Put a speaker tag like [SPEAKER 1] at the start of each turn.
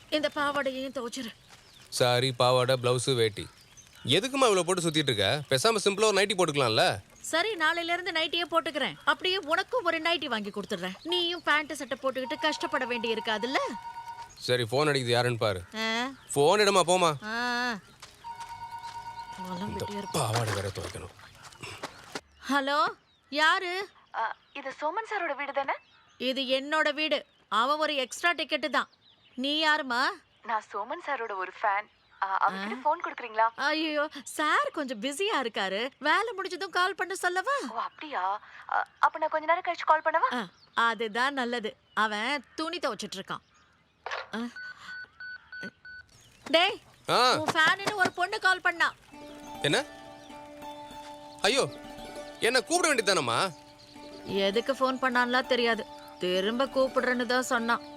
[SPEAKER 1] இந்த பாவாடையையும் துவைச்சிரு.
[SPEAKER 2] சாரி, பாவாடை, பிளவுஸு, வேட்டி. எதுக்குமா இவ்வளோ போட்டு சுற்றிட்டு இருக்க? பேசாமல் சிம்பிளாக ஒரு நைட்டி போட்டுக்கலாம்ல?
[SPEAKER 1] சரி, நாளையில இருந்து நைட்டியே போட்டுக்கிறேன். அப்படியே உனக்கும் ஒரு நைட்டி வாங்கி கொடுத்துடுறேன். நீயும் பேண்ட் சட்டை போட்டுக்கிட்டு கஷ்டப்பட வேண்டி இருக்காதுல்ல.
[SPEAKER 2] சரி, ஃபோன் அடிக்குது, யாருன்னு பாரு.
[SPEAKER 1] ஆ,
[SPEAKER 2] ஃபோன் இடமா, போமா.
[SPEAKER 1] ஆ. புலம்பிட்டே இருப்பா.
[SPEAKER 2] பாவாடை வேற துவைக்கணும்.
[SPEAKER 1] ஹலோ, யாரு?
[SPEAKER 3] இது சோமன் சாரோட வீடு தானே?
[SPEAKER 1] இது என்னோட வீடு. அவன் ஒரு எக்ஸ்ட்ரா டிக்கெட்டு தான். நீ யாருமா?
[SPEAKER 3] நான் சோமன் சாரோட ஒரு ஃபேன். அவர்கிட்ட ஃபோன் கொடுக்குறீங்களா?
[SPEAKER 1] ஐயோ, சார் கொஞ்சம் பிஸியா இருக்காரு. வேலை முடிஞ்சதும் கால் பண்ண சொல்லவா?
[SPEAKER 3] ஓ அப்படியா? அப்ப நான் கொஞ்ச நேரம் கழிச்சு கால் பண்ணவா?
[SPEAKER 1] அதுதான் நல்லது. அவன் துணி துவைச்சிட்டு இருக்கான். ஆ. டேய்,
[SPEAKER 2] ஆ,
[SPEAKER 1] உன் ஃபேனுன்னு ஒரு பொண்ணு கால் பண்ணா.
[SPEAKER 2] என்ன? ஐயோ, என்ன கூப்பிட வேண்டியதானம்மா?
[SPEAKER 1] எதுக்கு ஃபோன் பண்ணான்லாம் தெரியாது. திரும்ப கூப்பிடுறேன்னு தான் சொன்னான்.